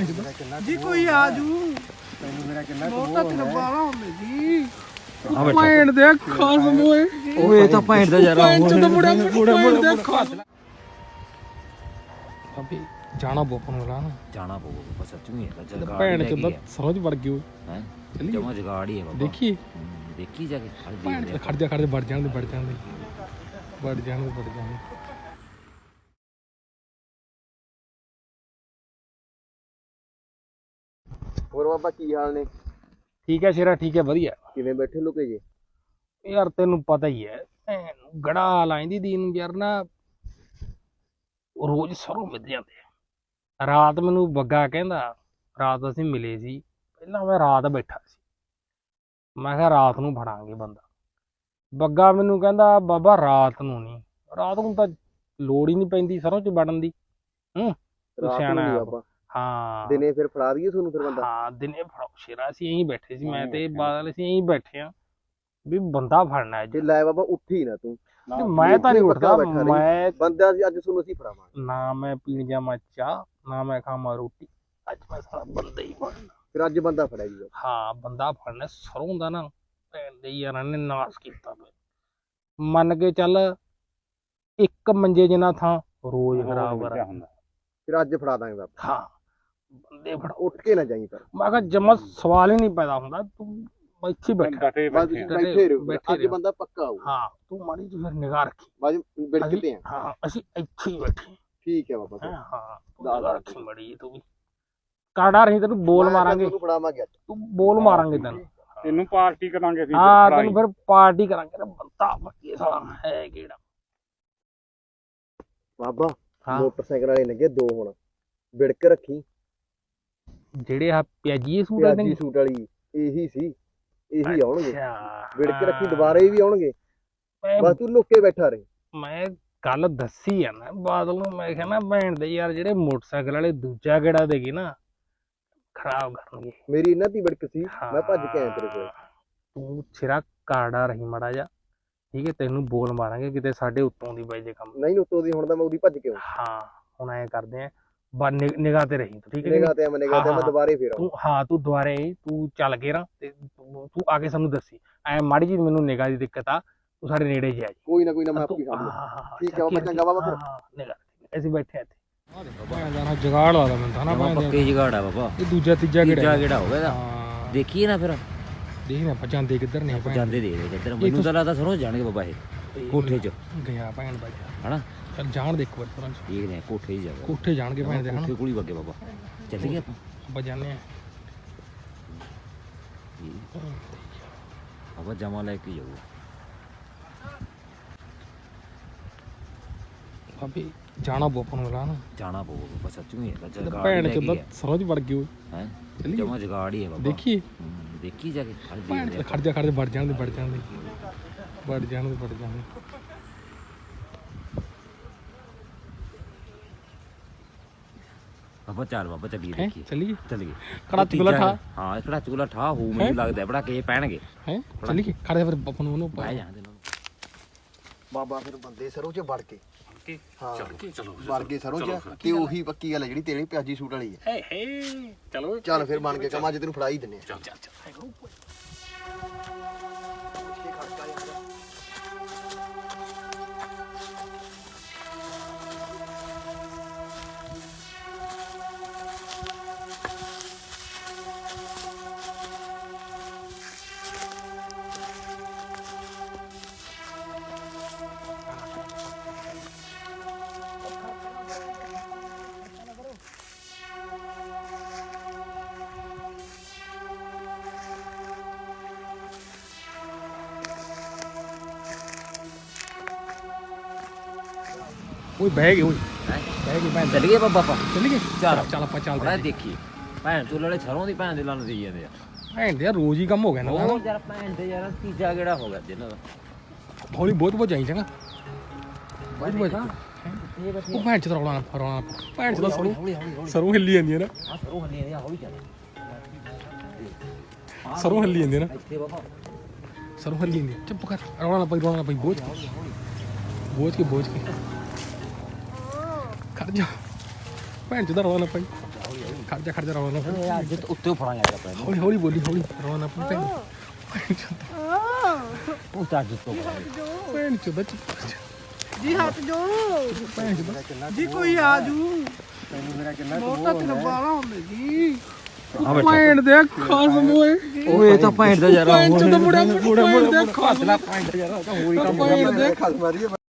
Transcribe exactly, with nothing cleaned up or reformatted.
जी कोई आजू बहुत तेरा बाला होंदे जी भैन दे खास मोए ओए ਤਾਂ ਭੈਣ ਦਾ ਯਾਰ भैन तो मुड़ा मुड़ा मुड़ा खास अभी जाना बोपन वाला ना ਜਾਣਾ ਪਊਗਾ ਬਸ ਸੱਚ ਨਹੀਂ ਹੈ ਜਗਾੜ ਭੈਣ ਚੋਦਾ ਸਰੋਜ ਵੜ ਗਈ ਹੈ ਚੱਲੀਏ ਜਮਾ ਜਗਾੜ ਹੀ ਹੈ ਬਾਬਾ ਦੇਖੀ ਹੂੰ, ਦੇਖੀ ਜਾ ਕੇ ਖੜ ਭੈਣ ਦੇ ਖੜ ਜਾ ਖੜ ਜਾ ਵੜ ਜਾਣ ਦੇ ਵੜ ਜਾਣ ਦੇ ਵੜ ਜਾਣ ਦੇ ਵੜ ਜਾਣ ਦੇ ਹੋਰ ਬਾਬਾ ਕੀ ਹਾਲ ਨੇ? ਠੀਕ ਹੈ ਸ਼ੇਰਾ ਠੀਕ ਹੈ ਵਧੀਆ ਕਿਵੇਂ ਬੈਠੇ ਲੁਕੇ ਜੇ? ਯਾਰ ਤੈਨੂੰ ਪਤਾ ਹੀ ਹੈ ਭੈਣ ਨੂੰ ਗੜਾ ਲਾਈਂਦੀ ਦੀ ਨੂੰ ਯਾਰ ਨਾ ਰੋਜ਼ ਸਰੋਂ ਮਿਲ ਜਾਂਦੇ ਆ। ਰਾਤ ਮੈਨੂੰ ਬੱਗਾ ਕਹਿੰਦਾ ਰਾਤ ਅਸੀਂ ਮਿਲੇ ਸੀ ਪਹਿਲਾਂ ਮੈਂ ਰਾਤ ਬੈਠਾ ਸੀ ਮੈਂ ਕਿਹਾ ਰਾਤ ਨੂੰ ਫੜਾਂਗੇ ਬੰਦਾ ਬੱਗਾ ਮੈਨੂੰ ਕਹਿੰਦਾ ਬਾਬਾ ਰਾਤ ਨੂੰ ਨਹੀਂ ਰਾਤ ਨੂੰ ਤਾਂ ਲੋੜ ਹੀ ਨਹੀਂ ਪੈਂਦੀ ਸਰੋਂ ਚ ਵੜਨ ਦੀ ਹੂੰ ਤੂੰ ਰਾਤ ਸਿਆਣਾ ਨੂੰ ਨੀ ਹੈ। ਬਾਬਾ ਹਾਂ ਦਿਨੇ ਫਿਰ ਫੜਾ ਦਈਏ ਤੁਹਾਨੂੰ ਫਿਰ ਬੰਦਾ? ਹਾਂ ਦਿਨੇ ਫੜਾਓ ਸ਼ੇਰਾ ਅਸੀਂ ਇਹੀ ਬੈਠੇ ਸੀ ਮੈਂ ਤੇ ਬਾਦਲ ਅਸੀਂ ਇਹੀ ਬੈਠੇ ਆ ਵੀ ਬੰਦਾ ਫੜਨਾ ਅੱਜ ਜੇ ਲੈ ਬਾਬਾ ਉੱਠੀ ਨਾ ਤੂੰ। ਮੈਂ ਤਾਂ ਨਹੀਂ ਪੱਕਾ ਉੱਠਦਾ ਬੈਠਾ ਰਹੀ। ਮੈਂ ਬੰਦਾ ਸੀ ਅੱਜ ਤੁਹਾਨੂੰ ਅਸੀਂ ਫੜਾਵਾਂਗੇ। ਨਾ ਮੈਂ ਪੀਣ ਜਾਵਾਂ ਚਾਹ ਨਾ ਮੈਂ ਖਾਵਾਂ ਰੋਟੀ ਅੱਜ ਮੈਂ ਸਾਰਾ ਬੰਦਾ ਹੀ ਫੜਨਾ ਫਿਰ ਅੱਜ ਬੰਦਾ ਫੜਿਆ ਜੀ। ਹਾਂ ਬੰਦਾ ਫੜਨਾ ਸਰੋਂ ਦਾ ਨਾ ਭੈਣ ਦੇ ਯਾਰਾਂ ਨੇ ਨਾਸ ਕੀਤਾ ਪਿਆ ਮੰਨ ਕੇ ਚੱਲ ਇੱਕ ਮੰਜੇ ਜਿੰਨਾ ਥਾਂ ਰੋਜ਼ ਖਰਾਬ ਕਰਾ ਫਿਰ ਅੱਜ ਫੜਾ ਦਾਂਗੇ ਬਾਬਾ। ਹਾਂ ਬੰਦੇ ਫੜਾ ਉੱਠ ਕੇ ਨਾ ਜਾਈ ਪਰ। ਮੈਂ ਕਿਹਾ ਜਮਾ ਸਵਾਲ ਹੀ ਨਹੀਂ ਪੈਦਾ ਹੁੰਦਾ ਤੂੰ ਇੱਥੇ ਹੀ ਬੈਠਾ ਬਸ ਤੁਸੀਂ ਬੈਠੇ ਰਹੋ ਬੈਠੇ ਅੱਜ ਰਹੋ। ਬੰਦਾ ਪੱਕਾ ਆਊ। ਹਾਂ ਤੂੰ ਮਾੜੀ ਜਿਹੀ ਫਿਰ ਨਿਗਾਹ ਰੱਖੀ ਬਾਜ ਬਿੜਕਦੇ ਆ। ਹਾਂ ਅਸੀਂ ਇੱਥੇ ਹੀ ਬੈਠੇ ਠੀਕ ਹੈ ਬਾਬਾ। ਹਾਂ ਹਾਂ ਤੂੰ ਨਿਗਾਹ ਰੱਖੀ ਮਾੜੀ ਜਿਹੀ ਤੂੰ ਵੀ ਕਾੜਾ ਰਹੀ ਤੈਨੂੰ ਬੋਲ ਮਾਰਾਂਗੇ ਤੁਹਾਨੂੰ ਫੜਾਵਾਂਗੇ ਅੱਜ। ਤੂੰ ਬੋਲ ਮਾਰਾਂਗੇ ਤੈਨੂੰ ਤੈਨੂੰ ਪਾਰਟੀ ਕਰਾਂਗੇ ਅਸੀਂ ਹਾਂ ਤੈਨੂੰ ਫਿਰ ਪਾਰਟੀ ਕਰਾਂਗੇ ਨਾ ਬੰਦਾ ਬੱਕੀ ਸਾਲਾ ਹੈ ਕਿਹੜਾ ਬਾਬਾ ਹਾਂ ਮੋਟਰਸਾਈਕਲ ਵਾਲੇ ਲੱਗੇ ਦੋ ਹੁਣ ਬਿੜਕ ਰੱਖੀ। ਜਿਹੜੇ ਆ ਪਿਆਜੀ ਸੂਟ ਵਾਲੇ ਪਿਆਜੀ ਨੇ ਸੂਟ ਵਾਲੀ ਇਹੀ ਸੀ ਇਹੀ ਆਉਣਗੇ। ਅੱਛਾ ਬਿੜਕ ਰੱਖੀ ਦੁਬਾਰੇ ਵੀ ਆਉਣਗੇ। ਮੈਂ- ਬਸ ਤੂੰ ਲੁੱਕੇ ਬੈਠਾ ਰਹੇ। ਮੈਂ ਕੱਲ ਦੱਸੀ ਆ ਨਾ ਬਾਦਲ ਨੂੰ ਮੈਂ ਕਿਹਾ ਨਾ ਭੈਣ ਦੇ ਯਾਰ ਜਿਹੜੇ ਮੋਟਰਸਾਈਕਲ ਵਾਲੇ ਦੂਜਾ ਗੇੜਾ ਦੇਗੇ ਨਾ ਖਰਾਬ ਕਰਨਗੇ। ਮੇਰੀ ਇਹਨਾਂ ਦੀ ਬਿੜਕ ਸੀ ਮੈਂ ਭੱਜ ਕੇ ਆਇਆ ਤੇਰੇ ਕੋਲ। ਤੂੰ ਸਿਰਾ ਕਾੜਾ ਰਹੀ ਮੜਾ ਜਾ ਠੀਕ ਹੈ ਤੈਨੂੰ ਬੋਲ ਮਾਰਾਂਗੇ ਕਿਤੇ ਸਾਡੇ ਉੱਤੋਂ ਦੀ ਬਾਈ ਜੇ ਕੰਮ ਨਹੀਂ ਉੱਤੋਂ ਦੀ ਹੁਣ ਤਾਂ ਮੈਂ ਉਹਦੀ ਭੱਜ ਕੇ ਆਉਂ। ਹਾਂ ਹੁਣ ਐਂ ਕਰਦੇ ਆ ਬਾ ਨਿਗਾਹ ਤੇ ਰਹੀ ਤੂੰ ਠੀਕ ਹੈ ਕਿ ਨਿਗਾਹ ਤੇ ਮੈਂ ਨਿਗਾਹ ਤੇ ਹਾਂ, ਮੈਂ ਹਾਂ। ਦੁਬਾਰੇ ਫੇਰ ਆਉਂ। ਤੂੰ ਹਾਂ ਤੂੰ ਦੁਬਾਰੇ ਤੂੰ ਚੱਲ ਕੇ ਨਾ ਤੇ ਤੂੰ ਤੂੰ ਆ ਕੇ ਸਾਨੂੰ ਦੱਸੀ ਐ ਮਾੜੀ ਜੀ ਮੈਨੂੰ ਨਿਗਾਹ ਦੀ ਦਿੱਕਤ ਆ ਤੂੰ ਸਾਡੇ ਨੇੜੇ ਜਾ ਜੀ ਕੋਈ ਨਾ ਕੋਈ ਨਾ ਮੈਂ ਤੂੰ- ਆਪੀ ਸਾਂਭ ਹਾਂ, ਲੂੰ। ਹਾਂ, ਹਾਂ, ਠੀਕ ਹੈ ਬਾਬਾ, ਚੱਕੀ ਚੰਗਾ ਬਾਬਾ ਫਿਰ। ਹਾਂ, ਹਾਂ, ਨਿਗਾਹ ਅਸੀਂ ਬੈਠੇ ਇੱਥੇ ਆ ਜਾਣਾ ਜਗਾੜ ਲਾ ਦਾ ਮੈਨੂੰ ਜਮਾ ਪੱਕੇ ਜਗਾੜ ਆ ਬਾਬਾ ਇਹ ਦੂਜਾ ਤੀਜਾ ਤੀਜਾ ਕਿਹੜਾ ਕਿਹੜਾ ਹੋਵੇ ਇਹਦਾ ਹਾਂ ਦੇਖੀਏ ਨਾ ਫਿਰ ਦੇਖ ਨਾ ਆਪਾਂ ਜਾਂਦੇ ਕਿੱਧਰ ਨੇ ਭੈਣ ਜਾਂਦੇ ਦੇ ਦੇ ਕਿੱਧਰ ਮੈਨੂੰ ਤਾਂ ਲੱਗਦਾ ਸਰੋਂ ਜਾਣਗੇ ਬਾਬਾ ਇਹ ਕੋਠੇ 'ਚ ਗਿਆ ਭੈਣ ਬਾਜਾ ਹਨਾ ਚੱਲ ਜਾਣ ਦੇ ਇੱਕ ਵਾਰ ਪਰਾਂ ਠੀਕ ਨੇ ਕੋਠੇ ਹੀ ਜਾਵੇ ਕੋਠੇ ਜਾਣਗੇ ਭੈਣ ਦੇ ਹਨਾ ਕੋਠੇ ਕੋਲ ਹੀ ਵਗੇ ਬਾਬਾ ਚੱਲੀਏ ਆਪਾਂ ਆਪਾਂ ਜਾਂਦੇ ਆ ਬਾਬਾ ਜਮਾ ਲੈ ਕੇ ਜਾਊਗਾ ਭਾਬੀ ਜਾਣਾ ਬੋਪਨ ਵਾਲਾ ਨਾ ਜਾਣਾ ਪਊਗਾ ਬਾਬਾ ਸੱਚ ਨਹੀਂ ਹੈ ਜਗਾੜ ਭੈਣ ਚੋਦਾ ਸਰੋਜ ਵੜ ਗਈ ਓਏ ਹੈ ਚੱਲੀਏ। ਜਮਾ ਜਗਾੜ ਹੀ ਹੈ ਬਾਬਾ ਦੇਖੀ ਹੂੰ, ਦੇਖੀ ਜਾ ਕੇ ਖੜ ਭੈਣ ਦੇ ਤੇ ਖੜ ਜਾ ਖੜ ਜਾ ਵੜ ਜਾਣ ਦੇ ਵੜ ਜਾਣ ਦੇ ਵੜ ਜਾਣ ਦੇ ਵੜ ਜਾਣ ਦੇ ਬਾਬਾ ਚਾਰ ਬਾਬਾ ਚੱਲੀਏ ਹੈਂ ਦੇਖੀਏ ਚੱਲੀਏ ਚੱਲੀਏ ਕੜਾ ਚੁਗਲਾ ਠਾ ਹਾਂ ਕੜਾ ਚੁਗਲਾ ਠਾ ਹੋ ਮੈਨੂੰ ਲੱਗਦਾ ਬੜਾ ਕੇ ਪੈਣਗੇ ਹੈ ਚੱਲੀਏ ਖੜ ਜਾ ਫਿਰ ਬਪਨ ਉਹਨੂੰ ਬਾਹਰ ਜਾਣ ਦੇ ਨਾਲ ਬਾਬਾ ਫਿਰ ਬੰਦੇ ਸਰੋਂ ਚ ਵੜ ਕੇ ਹਾਂ ਚਲੋ ਚਲੋ ਵੜ ਕੇ ਸਰੋਂ ਚ ਤੇ ਉਹੀ ਪੱਕੀ ਗੱਲ ਹੈ ਜਿਹੜੀ ਤੇਰੀ ਪਿਆਜੀ ਸੂਟ ਵਾਲੀ ਹੈ। ਹੇ ਹੇ ਚਲੋ ਚੱਲ ਫਿਰ ਬਣ ਕੇ ਕੰਮ ਅੱਜ ਤੈਨੂੰ ਫੜਾ ਹੀ ਦਿੰਨੇ ਆ। ਚੱਲ ਚੱਲ ਚੱਲ ਓਏ ਬਹਿ ਗਏ ਓਏ ਬਹਿ ਗਏ ਭੈਣ ਚੱਲੀਏ ਬਾਬਾ ਆਪਾਂ ਚੱਲੀਏ ਚੱਲ। ਚੱਲ ਆਪਾਂ ਬੜਾ ਚੱਲਦੇ ਦੇਖੀਏ ਭੈਣ ਚੋਲ ਵਾਲੇ ਸਰੋਂ ਦੀ ਭੈਣ ਦੇ ਲੰਨ ਦੇਈ ਜਾਂਦੇ ਆ ਭੈਣ ਦੇ ਯਾਰ ਰੋਜ਼ ਹੀ ਕੰਮ ਹੋ ਗਿਆ ਨਾ ਉਹ ਯਾਰ ਭੈਣ ਦੇ ਯਾਰ ਤੀਜਾ ਕਿਹੜਾ ਹੋ ਗਿਆ ਜਿਹਨਾਂ ਦਾ ਹੌਲੀ ਬਹੁਤ ਬਹੁਤ ਜਾਈ ਚੰਗਾ ਬਹੁਤ ਬਹੁਤ ਇਹ ਬਸ ਉਹ ਭੈਣ ਚ ਤਾਂ ਰੌਲਾ ਨਾ ਰੌਲਾ ਨਾ ਭੈਣ ਚ ਤਾਂ ਸਰੋਂ ਹੌਲੀ ਹੌਲੀ ਹੌਲੀ ਸਰੋਂ ਹਿੱਲੀ ਜਾਂਦੀ ਹੈ ਨਾ ਆ ਸਰੋਂ ਹੱਲੀ ਜਾਂਦੀ ਆ ਹੌਲੀ ਚੱਲ ਸਰੋਂ ਹਿੱਲੀ ਜਾਂਦੀ ਹੈ ਨਾ ਇੱਥੇ ਬਾਬਾ ਸਰੋਂ ਹਿੱਲੀ ਜਾਂਦੀ ਹੈ। ਚੁੱਪ ਕਰ ਰੌਲਾ ਨਾ ਪਈ ਰੌਲਾ ਨਾ ਪਈ ਬੋਝ ਬੋਝ ਕੇ ਬੋਝ ਕੇ ਖੜ ਜਾ ਭੈਣ ਚੋਦਾ ਰਵਾ ਨਾ ਪਾਈ ਖੜ ਜਾ ਖੜ ਜਾ ਰਵਾ ਨਾ ਪਾਈ। ਅੱਜ ਤਾਂ ਉੱਤੇ ਫੜਾਂਗੇ ਯਾਰ ਆਪਾਂ ਹੌਲੀ ਹੌਲੀ ਬੋਲੀ ਹੌਲੀ ਰਵਾ ਨਾ ਪਾਈ ਭੈਣ ਉਹ ਤਾਂ ਅੱਜ ਤੋਂ ਭੈਣ ਚੋਦਾ ਜੀ ਹੱਥ ਜੋ ਭੈਣ ਚੋਦਾ ਜੀ ਕੋਈ ਆ ਜੂ ਤੈਨੂੰ ਮੇਰਾ ਕਿੰਨਾ ਬਹੁਤ ਤੱਕ ਬਾਲਾ ਹੁੰਦੇ ਜੀ ਭੈਣ ਦੇ ਖਾਸ ਮੋਏ ਓਏ ਤਾਂ ਭੈਣ ਦਾ ਯਾਰ ਭੈਣ ਚੋਦਾ ਮੁੰਡਾ ਮੁੰਡਾ ਮੁੰਡਾ ਖਾਸ ਭੈਣ ਦਾ ਯਾਰ ਤਾਂ ਹੋਰ ਹੀ ਕੰਮ ਭੈਣ ਦੇ ਖਸ ਮਾਰੀ